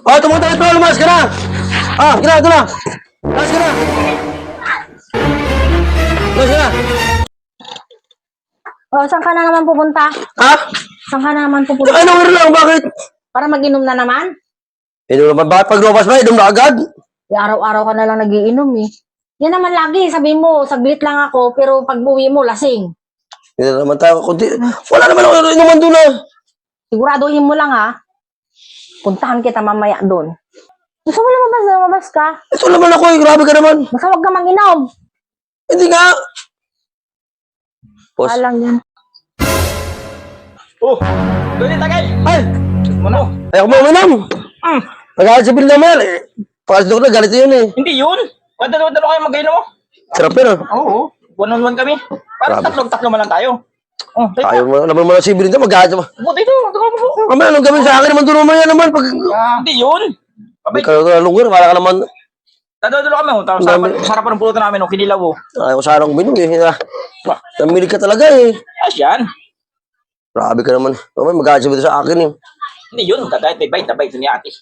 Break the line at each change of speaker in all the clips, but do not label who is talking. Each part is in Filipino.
Oh, tumunta ito, lumas ka na! Ah, gina, ito na! Lumas ka na! Lumas ka na!
Oh, saan ka na naman pupunta?
Ha?
Saan ka na naman pupunta?
Ano lang, bakit?
Para mag-inom na naman?
Ito naman, bakit pag lumabas ba, inom na agad?
Araw-araw ka na lang nagiinom eh. Yan naman lagi, sabi mo, saglit lang ako, pero pag buwi mo, lasing.
Hindi na naman tayo, kundi, wala naman ako inuman doon ah.
Siguraduhin mo lang ha. Puntahan kita mamaya doon. Gusto mo lumabas ka?
Ito naman ako eh, grabe ka naman.
Basta huwag ka mag-inom.
Hindi nga. Boss.
Alang yan.
Oh, doon yung tagay.
Ay,
Ano?
ayaw mo uminom.
Hmm,
Nagalit si Bill naman eh. Pakasok na, galit yun eh.
hindi yun. Dalawa kayo mag-inom mo.
Sarap yun ah.
Oo, one-on-one kami. Parang
Grabe.
tatlo man lang tayo. Oh, tayo.
Ayaw mo, naman mo na si Bill naman, magalit naman.
Buti ito, ito.
Kami, anong gawin sa akin naman doon naman yan naman. Pag
Hindi yun.
may
Abay,
kalungar, wala ka naman.
dadalo kami. Tapos sarapan ng pulutan namin, kinilaw.
Ayaw ko sana uminom eh. Namilig ka talaga eh.
Ayos yan.
Grabe ka naman. Naman, magalit si Bill sa akin eh.
Hindi yun, kagayat may bite na bite ni ate.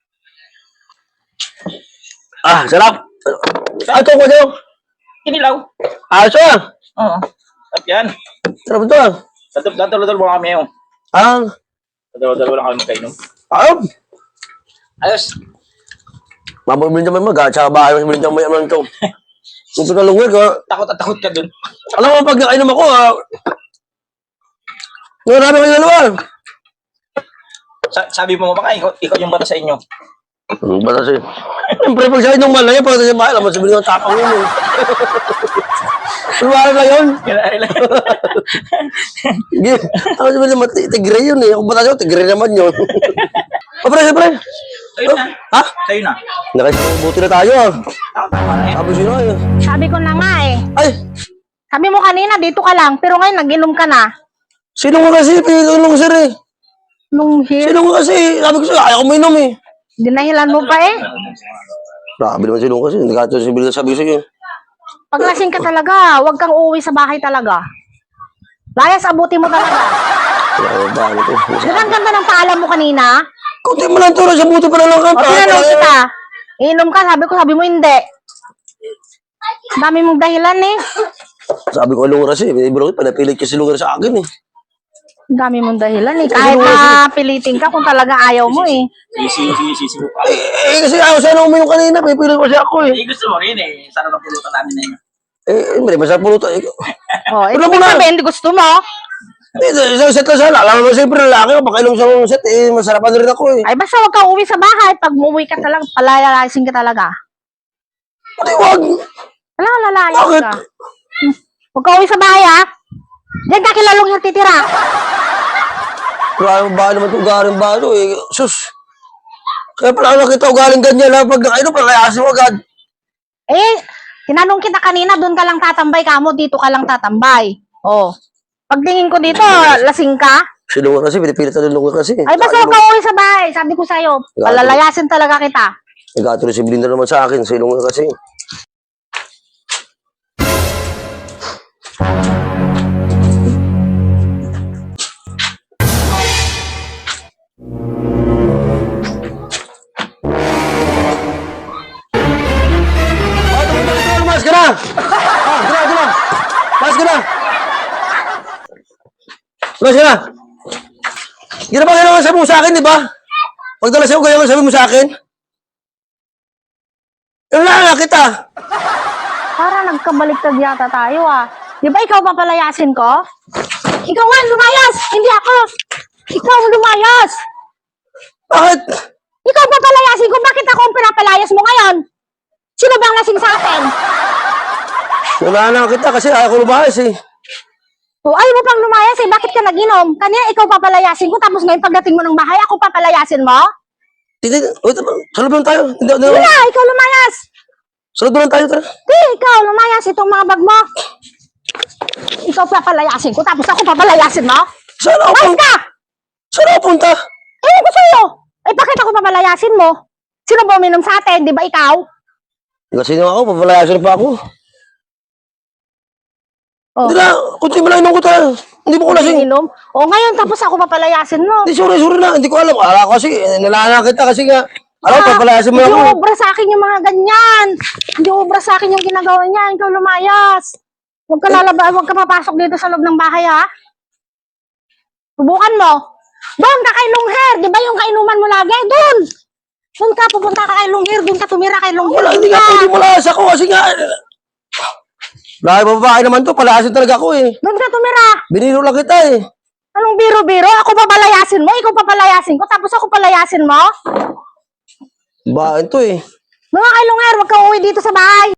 Ah, sarap. Ah, ito ko dyan.
Kinilaw.
Ah, ito ah.
Oo. Sarap yan.
Sarap ito ah.
Dadalo mo kami yung.
Ah,
Dadalo lang kami magkainom.
ayop.
Ayos.
Mababili naman magalit sa bahay. Mas bilhin naman naman ito. Ito na lungar ko.
Takot at takot ka dun.
Alam mo, pag nakainom ako ah. Marami kayo dalawa.
Sabi mo baka ikaw yung bata sa inyo.
Basta siya. Siyempre, pag siya inong malaya, pag siya mahal, alam mo, sabihin ng tapang yun eh. Lumaran lang yun. Ako sabihin naman, tigre yun eh. Kung bata siya, tigre naman yun. O, pre, pre.
Tayo na.
Ha?
Tayo na.
Nakasibuti na tayo ah.
Tama na yan.
Sabi sino eh.
Sabi ko na nga eh.
Ay,
Sabi mo kanina, dito ka lang, pero ngayon nag-inom ka na.
sino nga kasi, pinulong sir eh.
Nung here,
Sino nga kasi, sabi ko sa'yo, ayaw ko mainom eh.
dinahilan mo pa eh.
Grabe naman sino kasi, hindi ka ito sabi ko sa'yo.
Pag lasing ka talaga, huwag kang uuwi sa bahay talaga. Layas, abuti mo talaga.
Grabe ba, ano to?
Ang ganda ng paalam mo kanina.
Kunti mo lang to, nasa buti pa na lang ka.
O, tinanong kita. Inom ka, sabi mo hindi. Dami mong dahilan eh.
Sabi ko, lungar kasi, bro, panapilit kasi lungar sa akin eh.
Dami mong dahilan eh. Kahit na pilitin ka kung talaga ayaw mo eh.
Sisi mo pa.
Kasi ayaw sana uminom kanina, pipilit kasi ako eh.
Gusto mo rin eh. Sarap ng pulutan namin na yun.
Hindi, masarap pulutan.
O, ito
Wala mo
mo
na.
sabihin, hindi gusto mo.
Isang set lang sana. Alam mo, siyempre lalaki ko, pakainom sa mga set, masarapan rin ako eh.
Ay, basta huwag kang uwi sa bahay. Pag umuwi ka talaga, palalayasin ka talaga.
Pati wag.
Wala, lalayas
Bakit?
ka. Huwag kang uwi sa bahay ha. Diyan ka kilalong yung titira.
Grabe ba naman ito ugaling ba ito eh. Sus. Kaya pala nakita ugaling ganyan ha. Pag nakainom, palayasin mo agad.
Eh, tinanong kita kanina, doon ka lang tatambay ka mo, dito ka lang tatambay. Oh. Pagtingin ko dito, lasing ka.
Si lungar kasi, pinipilit na lungar kasi.
Ay, basta huwag kang uwi sa bahay. Sabi ko sa'yo, palalayasin talaga kita.
Nagkatuloy si Belinda naman sa akin, si lungar kasi. Lumas ka na! Ah, gina! Lumas ka na! Lumas ka na! Gina ba kailangan sabi mo sa akin, di ba? Pagdala sa'yo, kailangan sabi mo sa akin? Yung lang kita!
Para nagkabaliktad yata tayo ah. Di ba ikaw papalayasin ko? Ikaw nga, lumayas! Hindi ako! Ikaw ang lumayas!
Bakit?
Ikaw papalayasin ko, bakit ako ang pinapalayas mo ngayon? Sino bang lasing sa atin?
Wala na kita kasi ayaw ko lumahas eh.
O ayaw mo pang lumayas eh, bakit ka nag-inom? Kanina ikaw papalayasin ko, tapos ngayon pagdating mo ng bahay, ako papalayasin mo?
Hindi, wait, sa loob lang tayo. Hindi,
Hindi na, ikaw lumayas!
sa loob lang tayo, tara.
Hindi, ikaw lumayas, itong mga bag mo. Ikaw papalayasin ko, tapos ako papalayasin mo?
Saan ako
Mas
punta?
ka!
Saan ako punta?
Ewan ko sa'yo! Eh bakit ako papalayasin mo? Sino ba uminom sa atin, di ba ikaw?
Kasi nga ako, papalayasin pa ako.
Oh.
Hindi na, kunti mo lang inom ko tayo. Hindi mo ko lasing.
Inom? O ngayon tapos ako papalayasin mo.
Hindi, sorry na. Hindi ko alam. Akala ko kasi, nalala kita kasi nga, Ano, papalayasin mo
Hindi
ako.
obra sa akin yung mga ganyan. Hindi obra sa akin yung ginagawa niya. Ikaw lumayas. Huwag ka huwag ka papasok dito sa loob ng bahay, ha? Subukan mo. Doon ka kay Lungher. Di ba yung kainuman mo lagi? Doon. Doon ka, pupunta ka kay Lungher. Doon ka tumira kay Lungher.
Wala, hindi nga pwede malayas ako kasi nga. Lahat babae naman to, palayasin talaga ako eh.
Doon ka tumira.
Biniro lang kita eh.
Anong biro-biro? Ako papalayasin mo? Ikaw papalayasin ko? Tapos ako palayasin mo?
Bain to eh.
Mga kay Lungher, huwag ka uwi dito sa bahay.